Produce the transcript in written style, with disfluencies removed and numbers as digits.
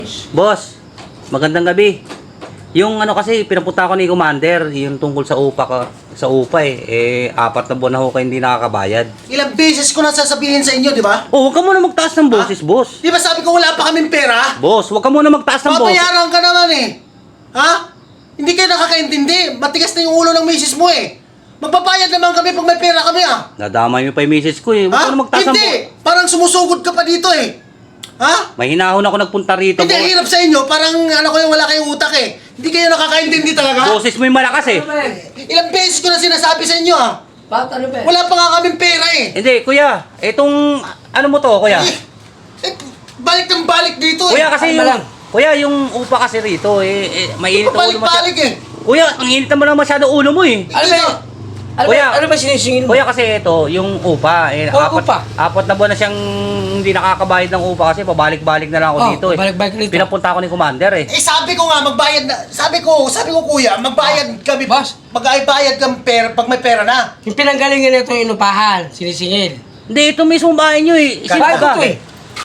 Boss, magandang gabi. Yung ano kasi, pinapunta ko ni Commander, yung tungkol sa upa eh. 4 na buwan na ho kayo hindi nakakabayad. Ilang beses ko na sasabihin sa inyo, di ba? Oh, huwag ka muna magtaas ng boses, boss. Di ba sabi ko wala pa kaming pera? Boss, huwag ka muna magtaas ng boses. Papayaran ka naman eh. Ha? Hindi kayo nakakaintindi. Matigas na yung ulo ng misis mo eh. Magpapayad naman kami pag may pera kami ah. Nadamay mo pa yung message ko eh. Huwag Ha? ka na magtaas ng boses. Hindi! Parang sumusugod ka pa dito eh. Ha? May hinahon ako nagpunta rito, Hindi, boss. hirap sa inyo. Parang ano ko yung wala kayong utak eh. Hindi kayo nakakaintindi talaga. Boses mo yung malakas eh. Ilang beses ko na sinasabi sa inyo ah. Bakit ano ba? Wala pa nga kaming pera eh. Hindi, kuya. Itong, ano mo to, kuya? Eh, balik ng balik dito eh. Kuya, kasi Ano yung, lang? kuya, yung upa kasi rito mainit ang ulo Pabalik-balik eh. Kuya, ang init naman lang masyado ulo mo eh. Ano ba? Kuya, Ano ba sinisingil mo? Kuya, kasi ito, yung upa, Upa? 4 na buwan na siyang hindi nakakabayad ng upa kasi pabalik-balik na lang ako dito eh. Balik-balik rito. Pinapunta ako ni Commander eh. Eh sabi ko nga magbayad na. Sabi ko kuya, magbayad kami. Boss. Mag-bayad kami pera pag may pera na. Yung pinanggalingan nito yung inupahan, sinisingil. Hindi, ito mismo bahay nyo eh. Bahay ko to eh.